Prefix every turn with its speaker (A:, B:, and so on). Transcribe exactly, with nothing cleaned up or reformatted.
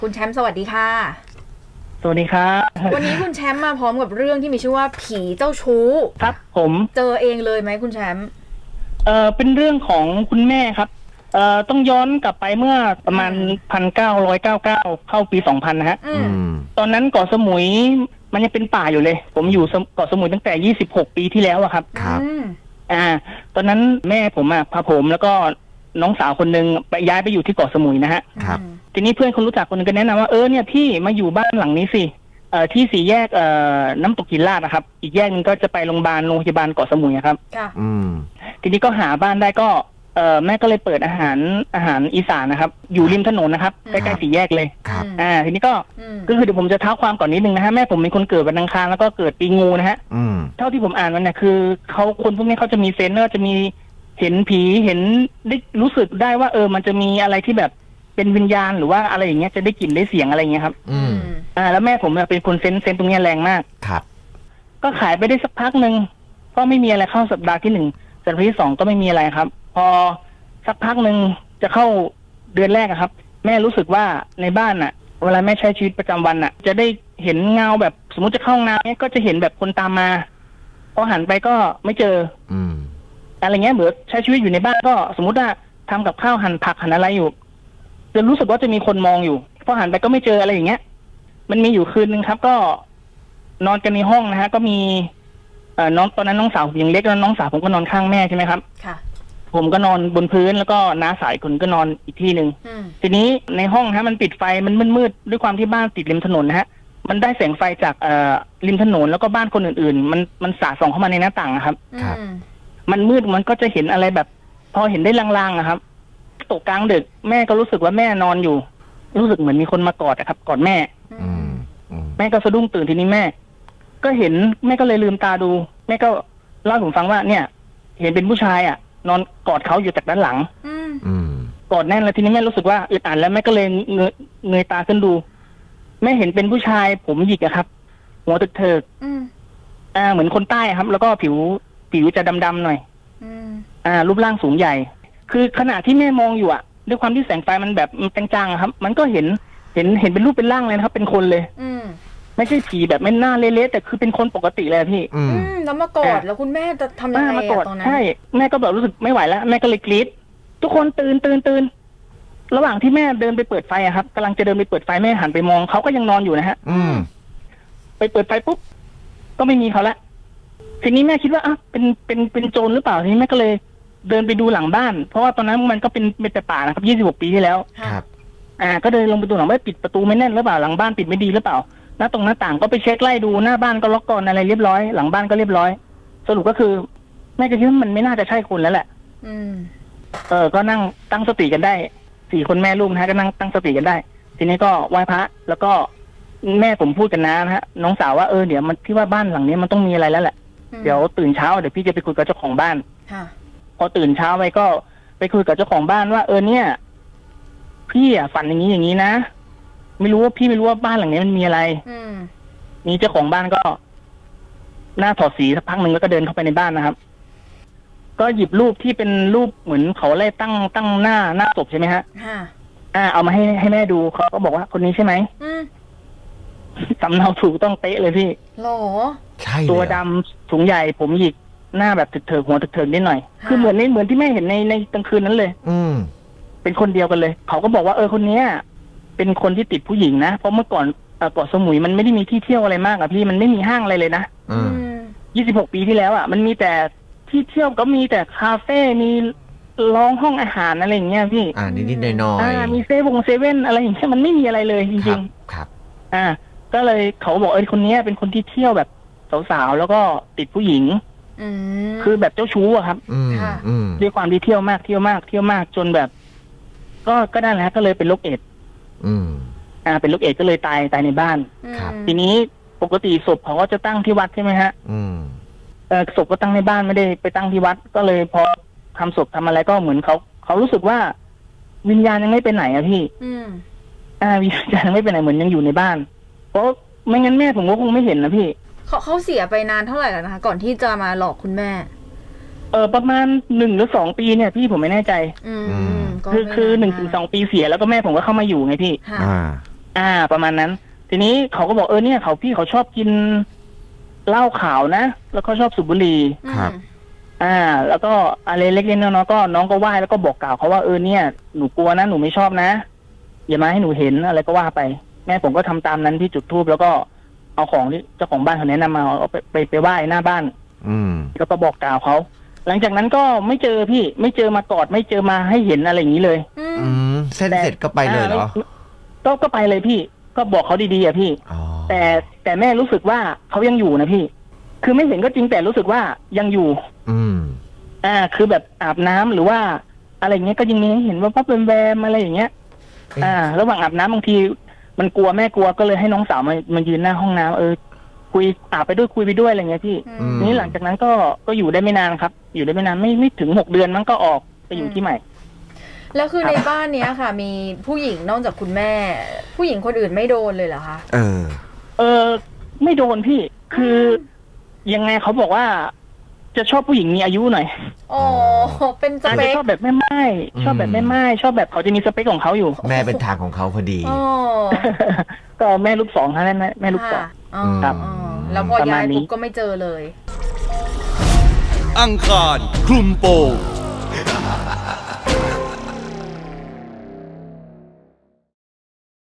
A: คุณแชมป์สวัสดีค่ะ
B: สวัสดีครับ
A: วันนี้คุณแชมป์มาพร้อมกับเรื่องที่มีชื่อว่าผีเจ้าชู้
B: ครับผม
A: เจอเองเลยไหมคุณแชมป์
B: เอ่อเป็นเรื่องของคุณแม่ครับเอ่อต้องย้อนกลับไปเมื่อประมาณพันเก้าร้อยเก้าเก้าเข้าปีสองพันนะฮะตอนนั้นเกาะสมุยมันยังเป็นป่าอยู่เลยผมอยู่เกาะสมุยตั้งแต่ยี่สิบหกปีที่แล้วอะครับ
A: ครับ
B: อ่าตอนนั้นแม่ผมอะพาผมแล้วก็น้องสาวคนนึงไปย้ายไปอยู่ที่เกาะสมุยนะฮะ
C: ครับ
B: ทีนี้เพื่อนคนรู้จักคนนึงก็แนะนำว่าเออเนี่ยพี่มาอยู่บ้านหลังนี้สิเอ่อที่สี่แยกเอ่อน้ำตกหินลาดนะครับอีกแยกนึงก็จะไปโรงพยาบาลโรงพยาบาลเกาะสมุยครับ
A: ค่ะ
C: อืม
B: ทีนี้ก็หาบ้านได้ก็เอ่อแม่ก็เลยเปิดอาหารอาหารอีสานนะครับอยู่ริมถนนนะครับใกล้ๆสี่แยกเลย
C: ครับ
B: อ่าทีนี้ก็ก็คือเดี๋ยวผมจะเท้าความก่อนนิดนึงนะฮะแม่ผมเป็นคนเกิดวันอังคารแล้วก็เกิดปีงูนะฮะ
C: อืม
B: เท่าที่ผมอ่านมันเนี่ยคือเขาคนพวกนี้เขาจะมีเซนเนอร์จะมีเห็นผีเห็นได้รู้สึกได้ว่าเออมันจะมีอะไรที่แบบเป็นวิญญาณหรือว่าอะไรอย่างเงี้ยจะได้กลิ่นได้เสียงอะไรอย่างเงี้ยครับ
C: อืม
B: อ่าแล้วแม่ผมเนี่ยเป็นคนเซนเซนตรงเนี้ยแรงมาก
C: ครับ
B: ก็ขายไปได้สักพักหนึ่งก็ไม่มีอะไรเข้าสัปดาห์ที่หนึ่งสัปดาห์ที่สองก็ไม่มีอะไรครับพอสักพักหนึ่งจะเข้าเดือนแรกอะครับแม่รู้สึกว่าในบ้านน่ะเวลาแม่ใช้ชีวิตประจำวันน่ะจะได้เห็นเงาแบบสมมติจะเข้าห้องน้ำเนี่ยก็จะเห็นแบบคนตามมาพอหันไปก็ไม่เจอ
C: อืม
B: อะไรเงี้ยเหมือนใช้ชีวิตอยู่ในบ้านก็สมมติว่าทำกับข้าวหั่นผักหั่นอะไรอยู่จะรู้สึกว่าจะมีคนมองอยู่พอหันไปก็ไม่เจออะไรอย่างเงี้ยมันมีอยู่คืนนึงครับก็นอนกันในห้องนะฮะก็มีเอ่อน้องตอนนั้นน้องสาวผมยังเล็กแล้วน้องสาวผมก็นอนข้างแม่ใช่ไหมครับ
A: ค่ะ
B: ผมก็นอนบนพื้นแล้วก็น้าสายคนก็นอนอีกที่หนึ่งทีนี้ในห้องฮะมันปิดไฟมันมืดๆด้วยความที่บ้านติดริมถนนนะฮะมันได้แสงไฟจากเอ่อริมถนนแล้วก็บ้านคนอื่นๆมันมันสาดส่องเข้ามาในหน้าต่างครับ
C: ครับ
B: มันมืดมันก็จะเห็นอะไรแบบพอเห็นได้ลางๆอะครับตกกลางดึกแม่ก็รู้สึกว่าแม่นอนอยู่รู้สึกเหมือนมีคนมากอดอะครับกอดแม่แม่ก็สะดุ้งตื่นทีนี้แม่ก็เห็นแม่ก็เลยลืมตาดูแม่ก็เล่าให้ผมฟังว่าเนี่ยเห็นเป็นผู้ชายอะนอนกอดเขาอยู่จากด้านหลังกอดแน่นแล้วทีนี้แม่รู้สึกว่าอึดอัดแล้วแม่ก็เลยเงยเงยตาขึ้นดูแม่เห็นเป็นผู้ชายผมหยิกอะครับหัวตึกเถิกอ่าเหมือนคนใต้ครับแล้วก็ผิวผิวจะดำๆหน่อยอ่ารูปร่างสูงใหญ่คือขณะที่แม่มองอยู่อ่ะด้วยความที่แสงไฟมันแบบมันจางๆครับ มันก็เห็นเห็นเห็นเป็นรูปเป็นร่างเลยนะครับเป็นคนเลยไม่ใช่ผีแบบไม่หน้าเละๆแต่คือเป็นคนปกติเลยพี่
A: อืมแล้วมากอดแล้วคุณแม่จะทำยังไงอะตอนนั้น
B: ใช่แม่ก็แบบรู้สึกไม่ไหวแล้วแม่ก็เลยกรี๊ดทุกคนตื่นตื่นตื่นระหว่างที่แม่เดินไปเปิดไฟอะครับกำลังจะเดินไปเปิดไฟแม่หันไปมองเขาก็ยังนอนอยู่นะฮะไปเปิดไฟปุ๊บก็ไม่มีเขาละทีนี้แม่คิดว่าอ่ะเป็นเป็นเป็นโจรหรือเปล่าทีนี้แม่ก็เลยเดินไปดูหลังบ้านเพราะว่าตอนนั้นมันก็เป็นเป็นแต่ป่านะครับยี่สิบหกปีที่แล้ว
C: ครับ
B: อ่าก็เดินลงไปดูหลังบ้านปิดประตูไม่แน่นหรือเปล่าหลังบ้านปิดไม่ดีหรือเปล่าหน้าตรงหน้าต่างก็ไปเช็คไล่ดูหน้าบ้านก็ล็อกกลอนอะไรเรียบร้อยหลังบ้านก็เรียบร้อยสรุปก็คือแม่ก็คิดว่ามันไม่น่าจะใช่คนแล้วแหละ
A: อืม
B: เออก็นั่งตั้งสติกันได้สี่คนแม่ลูกนะฮะก็นั่งตั้งสติกันได้ทีนี้ก็ไหว้พระแล้วก็แม่ผมพูดกันนะนะฮะน้องสาวว่าเออเดี๋ยวมันที่ว่าบ้านหลังนี้มันต้องมีอะไรแล้วแหละเดี๋ยวตื่นเช้าเดี๋ยวพี่จะไปคุยกับเจ้าของบ้านพอตื่นเช้าไปก็ไปคุยกับเจ้าของบ้านว่าเออเนี่ยพี่อ่ะฝันอย่างนี้อย่างนี้นะไม่รู้ว่าพี่ไม่รู้ว่าบ้านหลังนี้มันมีอะไรนี่เจ้าของบ้านก็หน้าถอดสีสักพักหนึ่งแล้วก็เดินเข้าไปในบ้านนะครับก็หยิบรูปที่เป็นรูปเหมือนเขาไล่ตั้งตั้งหน้าหน้าศพใช่ไหมฮะอ่าเอามาให้ให้แม่ดูเขาก็บอกว่าคนนี้ใช่ไหมสำเนาถูกต้องเป๊ะเลยพี่
A: หรอ
C: ใช่
B: ตัวดำสูงใหญ่ผมหยิกหน้าแบบถึกเถิกหัวถึกเถิกนิดหน่อยคือเหมือนในเหมือนที่แม่เห็นในในกลางคืนนั้นเลย
C: อืม
B: เป็นคนเดียวกันเลยเขาก็บอกว่าเออคนเนี้ยเป็นคนที่ติดผู้หญิงนะเพราะเมื่อก่อนเกาะสมุยมันไม่ได้มีที่เที่ยวอะไรมากอะพี่มันไม่มีห้างอะไรเลยนะยี่สิบหกปีที่แล้วอะมันมีแต่ที่เที่ยวก็มีแต่คาเฟ่มีร้องห้องอาหารอะไรอย่างเงี้ยพี่
C: อ่านิดๆหน่อยๆอ่า
B: มีเซเว่นเซเว่นอะไรอย่างเงี้ยมันไม่มีอะไรเลยจริง
C: ๆครับ
B: อ่าก็เลยเขาบอกเออคนนี้เป็นคนที่เที่ยวแบบสาวๆแล้วก็ติดผู้หญิงคือแบบเจ้าชู้อะครับด้วยความที่เที่ยวมากเที่ยวมากเที่ยวมากจนแบบ ก็ก็ได้แล้วก็เลยเป็นโรคเอดส์อ่าเป็นโรคเอดส์ก็เลยตายตายในบ้านทีนี้ปกติศพเขาก็จะตั้งที่วัดใช่ไหมฮะเออศพก็ตั้งในบ้านไม่ได้ไปตั้งที่วัดก็เลยพอทำศพทำอะไรก็เหมือนเขาเขารู้สึกว่าวิญญาณยังไม่ไปไหนอะพี่อ่าวิญญาณยังไม่ไปไหนเหมือนยังอยู่ในบ้านเพราะไม่งั้นแม่ผมก็คงไม่เห็นนะพี่
A: เขาเขาเสียไปนานเท่าไหร่แล้วนะคะก่อนที่จะมาหลอกคุณแม่
B: เออประมาณหนึ่งหรือสองปีเนี่ยพี่ผมไม่แน่ใจคือคือหนึ่งถึงสองปีเสียแล้วก็แม่ผมก็เข้ามาอยู่ไงพี่
C: อ่า
B: อ่ประมาณนั้น ทีนี้เขาก็บอกเออเนี่ยเขาพี่เขาชอบกินเหล้าขาวนะแล้วก็ชอบสูบบุหรี่
C: ครับ
B: อ่า แล้วก็อะไรเล็กๆน้อยๆก็น้องก็ไหว้แล้วก็บอกกล่าวเขาว่าเออเนี่ยหนูกลัวนะหนูไม่ชอบนะอย่ามาให้หนูเห็นอะไรก็ว่าไป แม่ผมก็ทำตามนั้นที่จุดธูปแล้วก็เอาของที่เจ้าของบ้านเขาแนะนำมาเอาไปไปไปไหว้หน้าบ้าน
C: อืม
B: แล้วก็บอกกล่าวเขาหลังจากนั้นก็ไม่เจอพี่ไม่เจอมากอดไม่เจอมาให้เห็นอะไรอย่างนี้เลย
A: อืม
C: อืมเส้นเสร็จก็ไปเลยเหรอ
B: ก็ก็ไปเลยพี่ก็บอกเขาดีๆอ่ะพี่
C: อ๋อ
B: แต่แต่แม่รู้สึกว่าเขายังอยู่นะพี่ คือไม่เห็นก็จริงแต่รู้สึกว่ายังอยู่
C: อืม
B: อ่า คือแบบอาบน้ำหรือว่าอะไรอย่างเงี้ยก็ยังมีให้เห็นว่าปั๊บแวมๆอะไรอย่างเงี้ย อ่า ระหว่างอาบน้ำบางทีมันกลัวแม่กลัวก็เลยให้น้องสาวมามายืนหน้าห้องน้ำเออคุยอาบไปด้วยคุยไปด้วยอะไรเงี้ยพี่
A: อืม
C: ม
B: นี่หลังจากนั้นก็ก็อยู่ได้ไม่นานครับ อยู่ได้ไม่นานไม่ไม่ถึงหกเดือนมันก็ออกไปอยู่ที่ใหม่
A: แล้วคือในบ้านเนี้ยค่ะ มีผู้หญิงนอกจากคุณแม่ ผู้หญิงคนอื่นไม่โดนเลยเหรอคะ
C: เออ
B: เออไม่โดนพี่ คือยังไงเขาบอกว่า จะชอบผู้หญิงมีอายุหน่อย
A: อ๋อเป็นส
B: อาจ
A: เป
B: จะ
A: ค
B: ชอบแบบแม่ไม้ชอบแบบแม่ไม้ชอบแบบเขาจะมีสเปคของเขาอยู่
C: แม่เป็นทางของเขาพอดี
A: อ๋อ
B: ก็แม่ลูกสองฮะแม่แม่ลูกสอง
A: ค่ะอ๋อ
C: ครับ
A: อ๋อแล้วพอ
B: ประมา
A: ย้า
B: ณ
A: ย
B: นี้
A: ปุ๊บก็ไม่เจอเลย
D: อังคารคลุมโปง